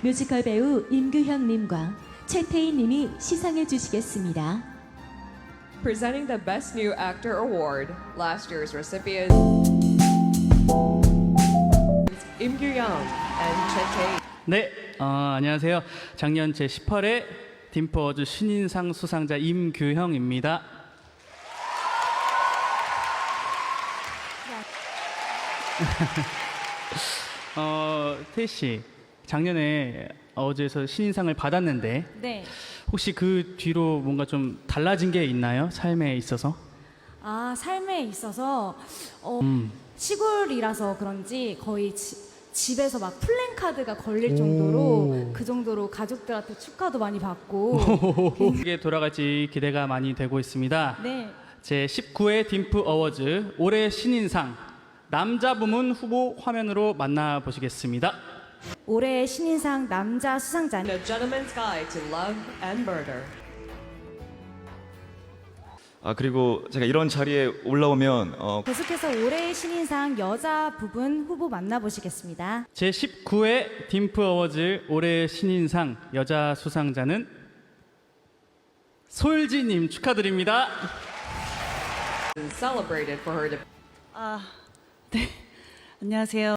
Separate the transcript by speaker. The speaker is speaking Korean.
Speaker 1: 뮤지컬 배우 임규형님과 최태희님이 시상해 주시겠습니다.
Speaker 2: Presenting the Best New Actor Award, last year's recipients Im Gyu-young and Choi Tae.
Speaker 3: 네, 안녕하세요. 작년 제18회 딤프어워즈 신인상 수상자 임규형입니다. 태희 씨, 작년에 어워즈에서 신인상을 받았는데
Speaker 4: 네.
Speaker 3: 혹시 그 뒤로 뭔가 좀 달라진 게 있나요? 삶에 있어서?
Speaker 4: 삶에 있어서 시골이라서 그런지 거의 집에서 막 플랜카드가 걸릴 정도로 그 정도로 가족들한테 축하도 많이 받고
Speaker 3: 어떻게 돌아갈지 기대가 많이 되고 있습니다.
Speaker 4: 네.
Speaker 3: 제19회 딤프 어워즈 올해 신인상 남자 부문 후보 화면으로 만나보시겠습니다.
Speaker 4: 올해의 신인상 남자 수상자는
Speaker 2: A Gentleman's Guide to Love and Murder.
Speaker 5: 그리고 제가 이런 자리에 올라오면
Speaker 4: 계속해서 올해의 신인상 여자 부분 후보 만나보시겠습니다.
Speaker 3: 제19회 딤프 어워즈 올해 신인상 여자 수상자는 소율지님 축하드립니다.
Speaker 2: And celebrated for her
Speaker 6: 네, 안녕하세요.